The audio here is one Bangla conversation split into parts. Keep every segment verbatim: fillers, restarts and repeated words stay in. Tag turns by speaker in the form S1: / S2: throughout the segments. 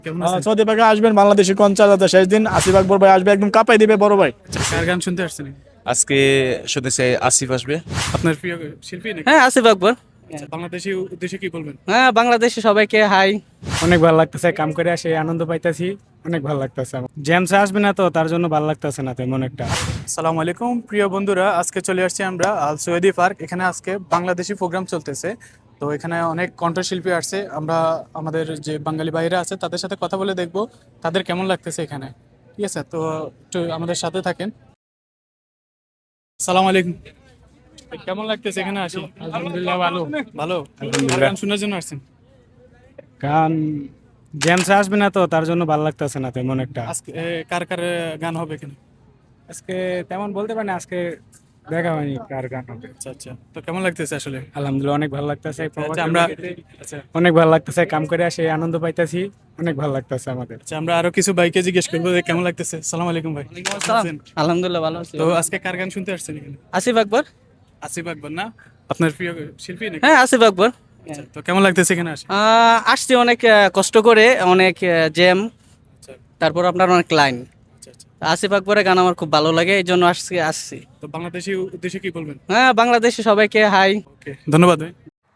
S1: কেমন
S2: আহ,
S1: আছেন?
S2: সৌদি পাকে আসবেন বাংলাদেশি কনসার্ট শেষ দিন আসিফ আকবর ভাই আসবে একদম কাঁপাই দিবে বড় ভাই।
S1: কার গান শুনতে আসছেন?
S3: আজকে শুনেছি আসিফ আসবে।
S1: আপনার প্রিয় শিল্পী নাকি?
S4: হ্যাঁ আসিফ আকবর।
S1: আচ্ছা, বাংলাদেশি উদ্দেশ্যে কি বলবেন?
S4: হ্যাঁ বাংলাদেশে সবাইকে হাই।
S5: অনেক ভালো লাগতেছে, কাম করে আসে আনন্দ পাইতেছি, অনেক ভালো লাগতেছে। জেমস আসবে না তো তার জন্য ভালো লাগতেছে না তেমন একটা।
S1: আসসালামু আলাইকুম প্রিয় বন্ধুরা, আজকে চলে আসছি আমরা আল সৈয়দি পার্ক। এখানে আজকে বাংলাদেশি প্রোগ্রাম চলতেছে। তো এখানে অনেক কণ্ঠশিল্পী আসছে। আমরা আমাদের যে বাঙালি ভাইরা আছে তাদের সাথে কথা বলে দেখব তাদের কেমন লাগতেছে এখানে। ঠিক আছে, তো একটু আমাদের সাথে থাকেন। আসসালামু আলাইকুম, কেমন লাগতেছে এখানে আসি?
S5: আলহামদুলিল্লাহ ভালো।
S1: ভালো।
S5: আলহামদুলিল্লাহ।
S1: কার গান শোনার জন্য আসছেন?
S5: গান জেমস আসবে না তো তার জন্য ভালো লাগতেছে না তেমন একটা।
S1: আজকে এ, কার কার গান হবে এখানে?
S5: আজকে তেমন বলতে পারি না, আজকে দেখা হয়নি কার গান হবে।
S1: আচ্ছা আচ্ছা, তো কেমন লাগতেছে আসলে?
S5: আলহামদুলিল্লাহ অনেক ভালো লাগতেছে।
S1: আচ্ছা আমরা আচ্ছা
S5: অনেক ভালো লাগতেছে, কাম করে আসে আনন্দ পাইতেছি, অনেক ভালো লাগতেছে আমাদের।
S1: আচ্ছা আমরা আরো কিছু ভাইকে জিজ্ঞেস করবো যে কেমন লাগতেছে। সালাম আলাইকুম ভাই, কেমন আছেন?
S4: আলহামদুলিল্লাহ ভালো আছি।
S1: তো আজকে কার গান শুনতে আসছেন এখানে?
S4: আসিফ আকবর।
S1: আসিফ আকবর না? আপনার প্রিয় শিল্পী নাকি?
S4: হ্যাঁ আসিফ আকবর।
S1: আচ্ছা, তো কেমন লাগতেছে এখানে আসে?
S4: আহ, আসছি অনেক আহ, কষ্ট করে, অনেক জ্যাম,
S1: আচ্ছা
S4: তারপর আপনার অনেক লাইন।
S1: আচ্ছা আচ্ছা।
S4: আসিফ আকবরের গান আমার খুব ভালো লাগে, এই জন্য আসছি আসছি
S1: তো বাংলাদেশি উদ্দেশ্যে কি বলবেন?
S4: হ্যাঁ বাংলাদেশে সবাইকে হাই।
S1: ওকে, ধন্যবাদ ভাই।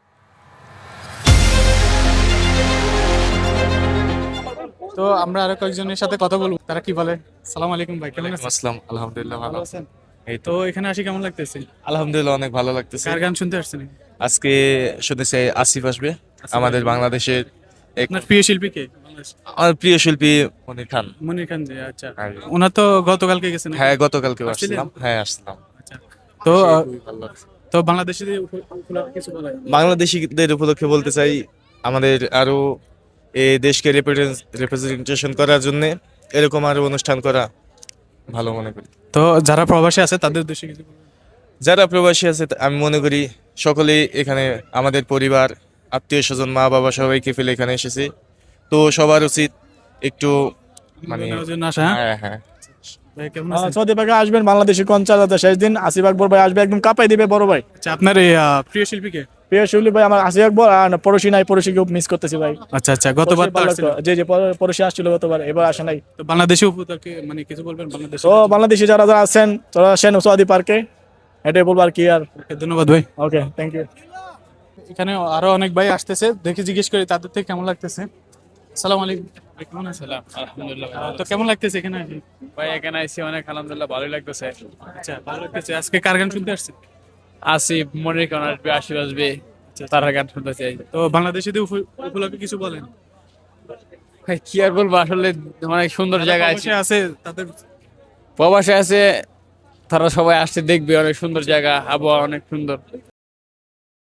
S1: তো আমরা আরো কয়েকজনের সাথে কথা বলবো, তারা কি বলে। সালাম আলাইকুম ভাই, কেমন আছেন?
S3: আসসালাম, আলহামদুলিল্লাহ ভালো।
S1: ভালো আছেন?
S3: এই
S1: তো
S3: তো
S1: এখানে আসি কেমন লাগতেছে?
S3: আলহামদুলিল্লাহ অনেক ভালো লাগতেছে।
S1: কার গান শুনতে আসছেন?
S3: আজকে শুনেছি আসিফ আসবে, আমাদের বাংলাদেশের এক
S1: আপনার প্রিয় শিল্পী কে?
S3: আমার প্রিয় শিল্পী মনির খান।
S1: মনির খান জি, আচ্ছা।
S3: হ্যাঁ।
S1: ওনার তো গতকালকে গেছেন নাকি?
S3: হ্যাঁ গতকালকে
S1: আসছিলেন?
S3: আসছিলাম, হ্যাঁ আসছিলাম।
S1: আচ্ছা। তো আহ,
S3: খুবই ভালো লাগছে।
S1: তো বাংলাদেশিদের উপ- উপলক্ষে কিছু বলা যায়?
S3: বাংলাদেশিদের উপলক্ষে বলতে চাই আমাদের আরো এই দেশকে রিপ্রেজেন্টেশন করার জন্য এরকম আরো অনুষ্ঠান করা ভালো মনে করি।
S1: তো যারা প্রবাসী আছে তাদের উদ্দেশ্যে কিছু বলবেন?
S3: যারা প্রবাসী আছে তা- আমি মনে করি সকলেই এখানে আমাদের পরিবার, আত্মীয় স্বজন, মা বাবা সবাইকে ফেলে এখানে এসেছি। তো সবার উচিত একটু মানে
S1: নেওয়ার জন্য আসা, হ্যাঁ?
S3: হ্যাঁ হ্যাঁ
S1: ভাই কেমন
S2: আহ,
S1: আছেন?
S2: সৌদি পাকে আসবেন বাংলাদেশি কনসার্ট শেষ দিন আসিফ আকবর ভাই আসবে একদম কাঁপাই দিবে বড় ভাই।
S1: আচ্ছা আপনার এই আহ, প্রিয় শিল্পী কে?
S2: প্রিয় শিল্পী ভাই আমার আসিফ আকবর, আর পড়োশি নাই, পড়োশিকে মিস করতেছি ভাই।
S1: আচ্ছা আচ্ছা, গতবার তো
S2: পড়োশি ভালো
S1: আসছিল।
S2: লাগতো। জি জি পর- পড়োশি আসছিল গতবার, এবার আসে নাই।
S1: তো বাংলাদেশি উপলক্ষে মানে কিছু বলবেন বাংলাদেশি?
S2: তো বাংলাদেশি যারা যারা আছেন তারা আসেন সৌদি পার্কে, এটাই বলবো আর কি। আর
S1: ধন্যবাদ ভাই।
S2: Okay, thank you.
S1: এখানে আরো অনেক ভাই আসতেছে, দেখে জিজ্ঞেস করি তাদের থেকে কেমন লাগতেছে। আসসালামু আলাইকুম ভাই, কেমন আছেন?
S6: আলহামদুলিল্লাহ
S1: আহ, তো কেমন লাগতেছে এখানে আসি?
S6: ভাই এখানে আইসি অনেক আলহামদুলিল্লাহ ভালোই লাগতেছে।
S1: আচ্ছা ভালো লাগতেছে। আজকে কার গান শুনতে আসছেন?
S6: আসিফ, মনির খান আসবে, আশির আসবে, তারা গান শুনতে চাই।
S1: তো বাংলাদেশিদের উপ- উপলক্ষে কিছু বলেন।
S6: ভাই কি আর বলবো, আসলে অনেক সুন্দর
S1: যারা
S6: জায়গা আছে,
S1: প্রবাসী আছে তাদের
S6: প্রবাসে আছে, তারা সবাই আসছে দেখবে, অনেক সুন্দর জায়গা, আবহাওয়া অনেক সুন্দর।